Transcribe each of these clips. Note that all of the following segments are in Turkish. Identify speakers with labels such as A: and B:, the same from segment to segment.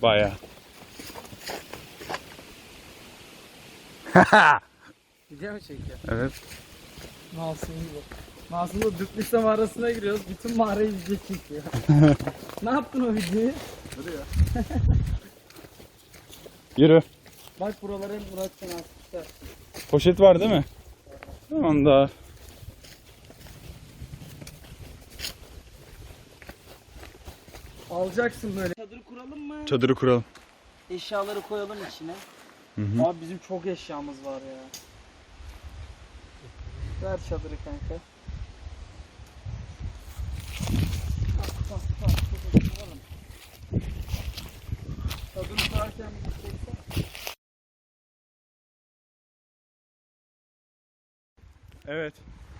A: Bayağı.
B: Video mu çekiyor?
A: Evet.
B: Masum gibi. Masum'la Düplüse mağarasına giriyoruz. Bütün mağarayı video çekiyor. Ne yaptın o videoyu?
A: Yürü.
B: Bak buralara Murat sen asmışlar.
A: Poşet var değil mi? Tamam da.
B: Alacaksın böyle. Çadırı kuralım mı?
A: Çadırı kuralım.
B: Eşyaları koyalım içine.
A: Hı hı.
B: Abi bizim çok eşyamız var ya. Ver çadırı kanka. Bak. Kuralım. Çadırı kurarken bir çeksen.
A: Evet.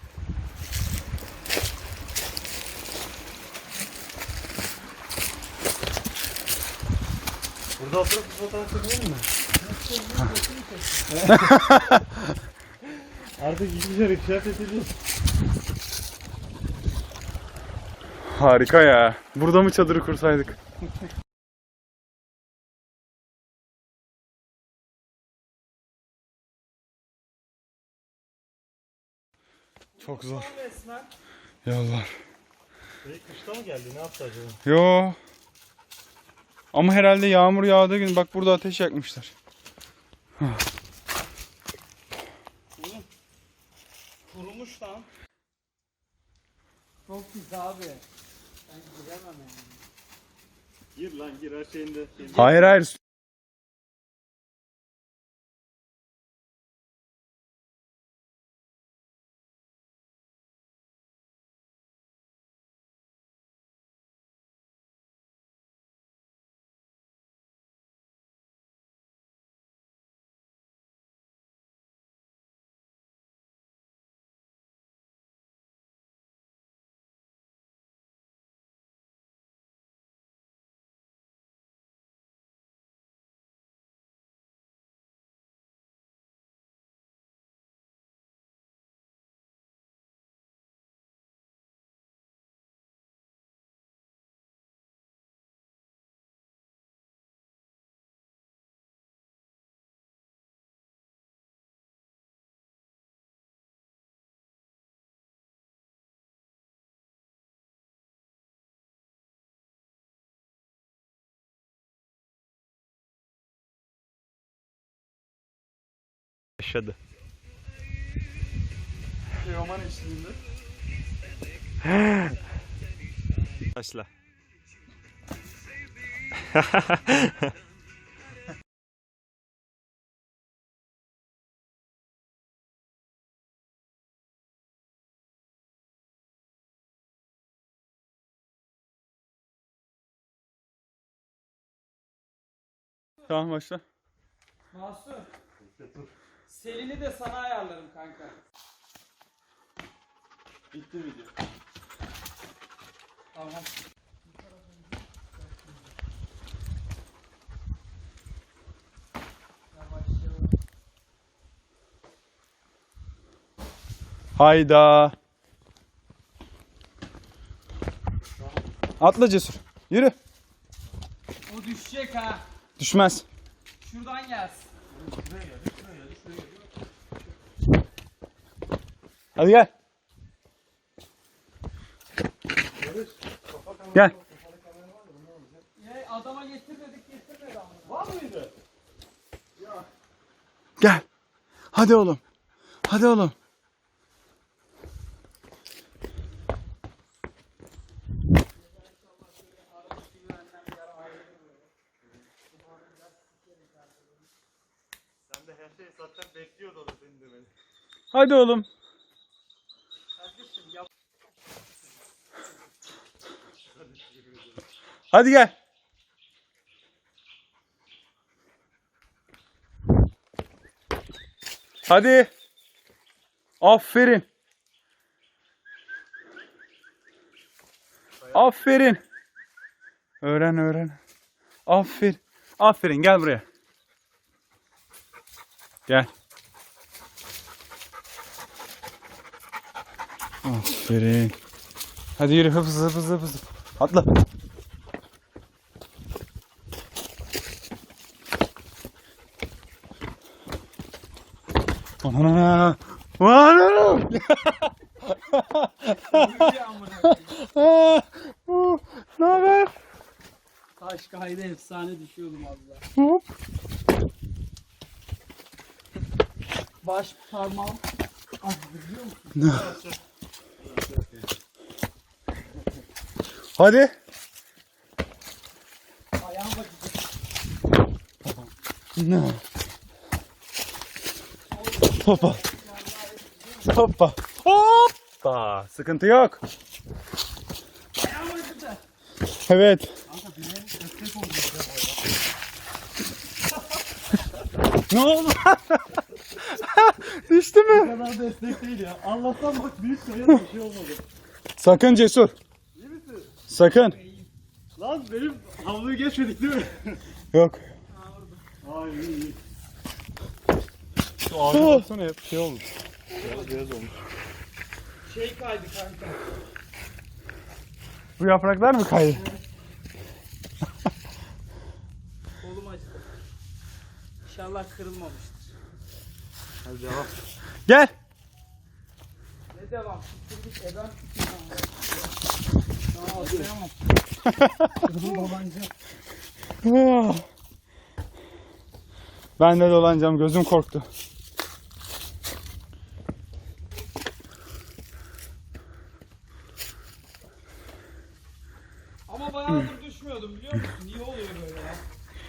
C: Burada oturup fotoğraf çekelim mi? Artık hiçbir şey kıyafet ediyoruz.
A: Harika ya. Burada mı çadırı kursaydık? Çok zor. Yollar.
C: Kışta mı geldi? Ne yaptı acaba?
A: Yo. Ama herhalde yağmur yağdığı gün bak burada ateş yakmışlar.
B: Kurumuş lan. Çok güzel abi. Ben giremem yani.
C: Gir lan gir her şeyinde.
A: Hayır hayır.
C: Yaşadı.
B: Teoman eşliğinde.
C: Başla.
A: Tamam başla.
B: Masum. Selin'i de sana ayarlarım kanka.
C: Bitti video.
B: Tamam.
A: Hayda. Atla Cesur. Yürü.
B: O düşecek ha.
A: Düşmez.
B: Şuradan gelsin.
A: Hadi gel. Gel.
B: Adama getirmedik getirmedi ama. Var mıydı?
A: Gel. Hadi oğlum. Hadi oğlum.
C: Sen de her şeyi zaten bekliyordu orada senin demeni.
A: Hadi oğlum. Hadi gel. Hadi. Aferin. Aferin. Öğren. Aferin. Aferin gel buraya. Gel. Aferin. Hadi yürü hızlı. Atla. Ana. Ana. Ne haber?
B: Taş kaydı efsane düşüyordum az daha.
A: Hop.
B: Baş parmağım. Ah, biliyor musun?
A: Hadi.
B: Ayağım bakacak.
A: Hoppa. Hoppa. Hoppa. Sıkıntı yok.
B: Ayağım bakacak.
A: Evet. Ne oldu? Düştü mü?
C: Bu kadar destek değil ya. Allah'tan bak büyük sayıda bir şey olmadı.
A: Sakın Cesur.
C: İyi misin?
A: Sakın.
C: Lan benim havluyu geçmedik değil mi?
A: Yok.
C: Ay iyi.
A: Şu ağaca baksana hep şey oldu.
C: Beyaz olmuş.
B: Şey kaydı kanka.
A: Bu yapraklar mı kaydı?
B: Kolum acıdı. İnşallah kırılmamıştır.
C: Hadi devam.
A: Gel.
B: Ne devam? Siktir git eden Aa atlayamam. Kırdım babanca.
A: Ben de dolanacağım. Gözüm korktu.
B: Ama bayağıdır düşmüyordum biliyor musun? Niye oluyor böyle ya?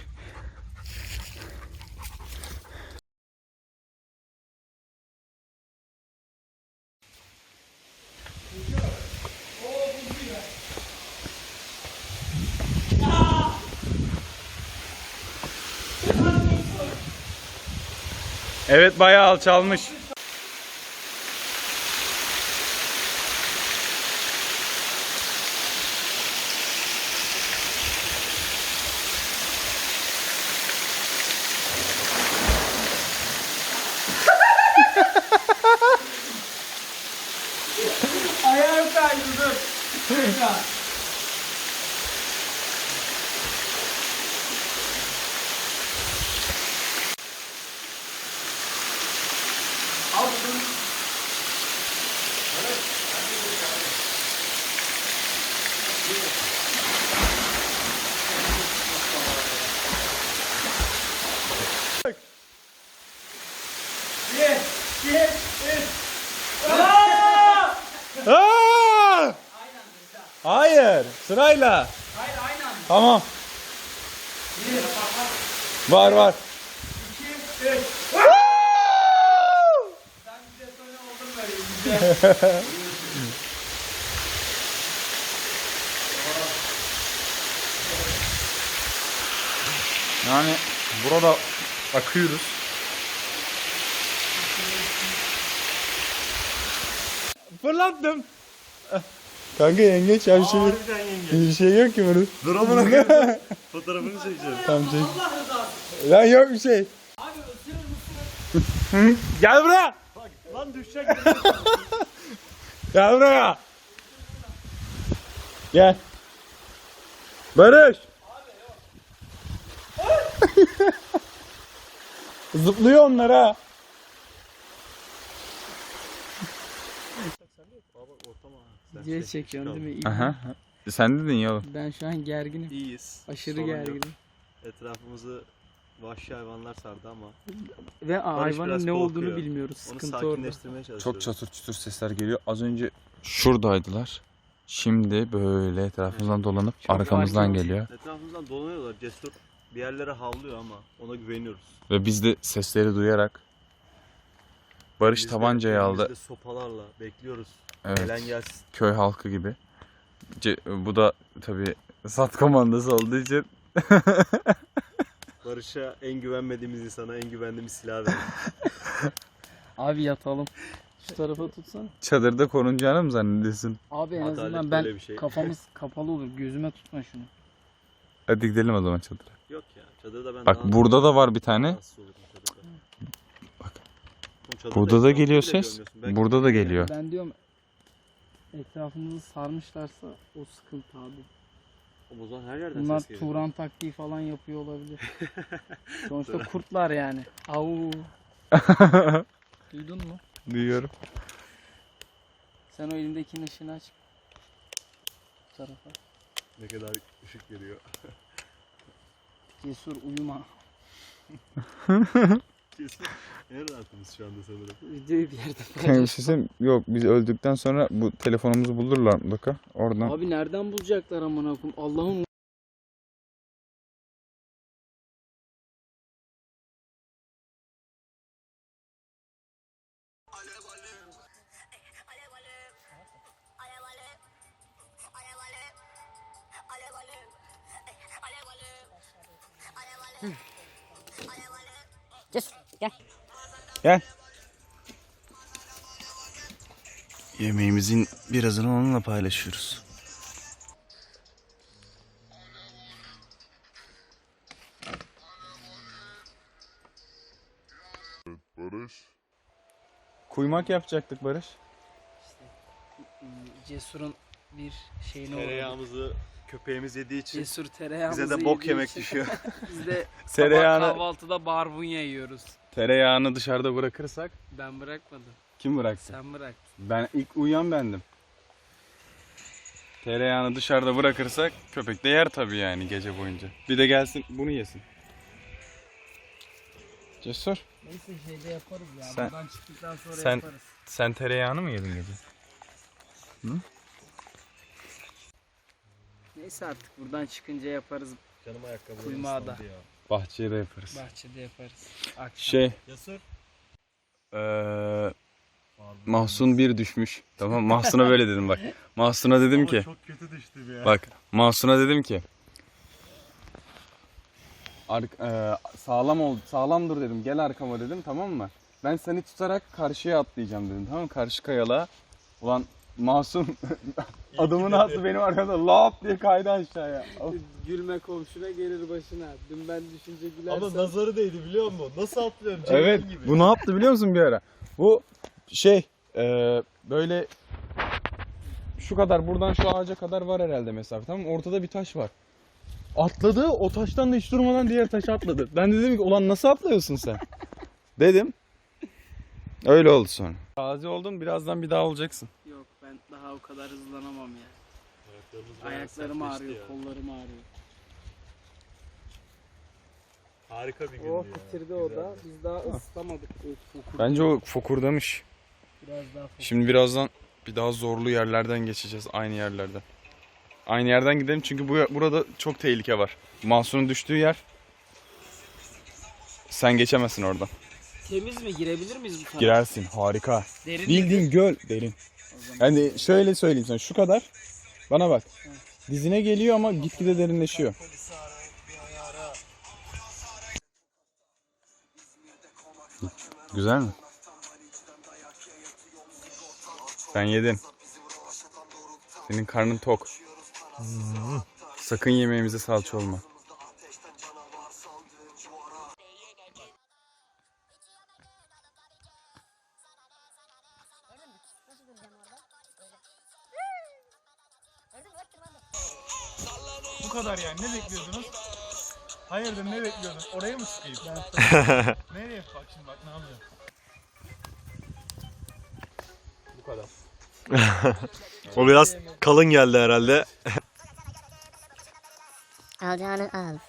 A: Evet, bayağı alçalmış.
B: Ayağım kaydı dur. Tekrar. Al şunu. Bir, üç.
A: Aa! Hayır, sırayla.
B: Hayır aynı anda.
A: Tamam. Var var.
B: 2, 3. Sen bir detone oldun böyle güzel.
A: Yani burada akıyoruz. Fırlattım. Kanka yengeç ya bir şey,
C: Harbiden yenge.
A: bir şey yok ki bunun.
C: Dur amına koyayım. Fotoğrafını çekeceğim.
A: Tamam çek.
B: Allah rızası.
A: Lan yok bir şey.
B: Abi ısırır mısın?
A: Gel buraya.
C: Bak lan düşecek.
A: Gel buraya. Gel. Barış. Zıplıyor onlar ha.
B: Diye çekiyorsun değil mi?
A: Aha. Sen dedin ya oğlum.
B: Ben şu an gerginim.
C: İyiyiz.
B: Aşırı
C: Sorun yok.
B: gerginim.
C: Etrafımızı vahşi hayvanlar sardı ama
B: Ve
C: Barış
B: hayvanın
C: biraz
B: ne olduğunu
C: korkuyor.
B: bilmiyoruz.
C: onu
B: Sıkıntı orada.
C: sakinleştirmeye çalışıyoruz.
A: Çok çatır çutur sesler geliyor. Az önce şuradaydılar. Şimdi böyle etrafımızdan dolanıp arkamızdan
B: fark
A: geliyor.
C: Etrafımızdan dolanıyorlar. Cesur bir yerlere havlıyor ama ona güveniyoruz.
A: Ve biz de sesleri duyarak Barış
C: Biz de
A: tabancayı aldı.
C: elimizde sopalarla bekliyoruz.
A: Evet.
C: Gelen gelsin.
A: Köy halkı gibi. Bu da tabii sat komandası olduğu için
C: Barış'a en güvenmediğimiz insana en güvendiğimiz silahı verdik.
B: Abi yatalım. Şu tarafa tutsana.
A: çadırda korunacağını mı zannediyorsun?
B: Abi en
C: Adalet
B: azından
C: böyle
B: ben
C: bir şey.
B: kafamız kapalı olur. Gözüme tutma şunu.
A: Hadi gidelim o zaman çadıra.
C: Yok ya çadırda ben
A: Bak
C: daha
A: burada da var bir tane.
C: rahatsız olurum çadırda.
A: Bak.
C: Oğlum çadırda
A: Burada da
C: etrafı
A: geliyor
C: bile
A: ses.
C: görmüyorsun. Belki
A: Burada da geliyor.
B: Ben diyorum etrafımızı sarmışlarsa o sıkıntı abi.
C: O zaman her yerden
B: Bunlar
C: ses geliyor.
B: Turan taktiği falan yapıyor olabilir. Sonuçta kurtlar yani. Au. Duydun mu?
A: Duyuyorum.
B: Sen o elindekinin ışığını aç. Bu tarafa.
C: Ne kadar ışık veriyor.
B: Cesur uyuma.
C: Kesin. En rahatımız şu anda sanırım.
B: Videoyu bir yerde
A: Kanka bir
B: paylaş.
A: şey söyleyeyim mi? Yok, biz öldükten sonra bu telefonumuzu bulurlar mutlaka. Oradan.
B: Abi nereden bulacaklar amına koyayım? Allah'ım.
A: Gel.
C: Yemeğimizin birazını onunla paylaşıyoruz.
A: Kuymak yapacaktık Barış.
B: Cesur'un bir şeyine uğradı.
C: Tereyağımızı köpeğimiz yediği için
B: Cesur tereyağımızı
C: bize de bok
B: yediği
C: yemek
B: için
C: düşüyor.
B: Biz de
A: Tereyağını-
B: sabah kahvaltıda barbunya yiyoruz.
A: Tereyağını dışarıda bırakırsak
B: Ben bırakmadım.
A: kim bıraktı?
B: Sen bıraktın.
A: Ben ilk uyuyan bendim. Tereyağını dışarıda bırakırsak köpek de yer tabii yani gece boyunca. Bir de gelsin bunu yesin. Cesur.
B: Neyse şeyde yaparız ya.
A: Sen-
B: Buradan çıktıktan sonra
A: sen-
B: yaparız.
A: Sen tereyağını mı yedin gece?
B: Neyse artık buradan çıkınca yaparız.
C: Canım ayakkabılarım
B: Kuymağı da.
C: ıslandı ya.
A: Bahçeye de yaparız.
B: Bahçede yaparız. Akşam.
A: Şey,
C: Yasır.
A: Mahsun bir düşmüş. Tamam, Mahsun'a böyle dedim bak. Mahsun'a dedim ki,
C: Çok kötü düştüm ya.
A: bak Mahsun'a dedim ki sağlam dur dedim, gel arkama dedim, tamam mı? Ben seni tutarak karşıya atlayacağım dedim, tamam mı? Karşı kayalığa. Ulan Mahsun adımını attı benim arkamda, lap diye kaydı aşağıya.
B: Gülme komşuna gelir başına. Dün ben düşünce gülersen.
C: Ama nazarı değdi biliyor musun? Nasıl atlıyorum?
A: Evet,
C: Cemil gibi.
A: bu ne yaptı biliyor musun bir ara? Bu böyle şu kadar, buradan şu ağaca kadar var herhalde mesafe, tamam mı? Ortada bir taş var. Atladı, o taştan da hiç durmadan diğer taşa atladı. Ben de dedim ki ulan nasıl atlıyorsun sen? Dedim. Öyle oldu sonra. Gazi oldun, birazdan bir daha olacaksın.
B: Yok ben daha o kadar hızlanamam ya.
C: Ayaklarımız bayağı
B: Ayaklarım
C: sertleşti
B: ağrıyor,
C: ya.
B: kollarım ağrıyor.
C: Harika bir gündü
B: O
C: ya.
B: bitirdi o da. Biz daha ıslamadık.
A: Bence o fokurdamış.
B: Biraz daha fokur.
A: Şimdi birazdan bir daha zorlu yerlerden geçeceğiz, aynı yerlerden. Aynı yerden gidelim çünkü burada çok tehlike var. Mahsun'un düştüğü yer. Sen geçemezsin oradan.
B: Temiz mi? Girebilir miyiz bu tarafa?
A: Girersin, harika.
B: Derin
A: Bildiğin göl, derin. Yani şöyle söyleyeyim sana, şu kadar. Bana bak. Dizine geliyor ama gitgide derinleşiyor. Güzel mi? Sen yedin. Senin karnın tok. Sakın yemeğimize salça olma. Bu kadar yani, ne bekliyordunuz? Hayırdır, ne bekliyordunuz? Oraya mı çıkayım? Nereye? Bak şimdi, bak ne yapacağım. Bu kadar.
C: O biraz kalın geldi herhalde.
D: Alacağını al.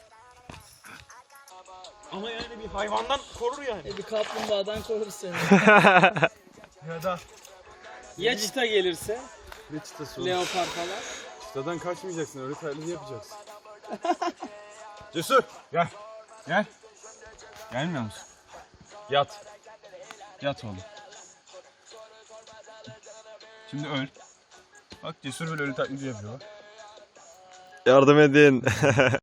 C: Ama yani bir hayvandan korur yani.
B: Bir kaplumbağadan korur seni.
A: Ya da
B: Ya çita gelirse?
A: ne çıtası olur?
B: Leopar falan.
A: Çıtadan kaçmayacaksın, öyle taklidi yapacaksın. Cesur, gel. Gel. Gelmiyor musun? Yat. Yat oğlum. Şimdi öl. Bak Cesur böyle ölü taklidi yapıyor bak.
C: Yardım edin.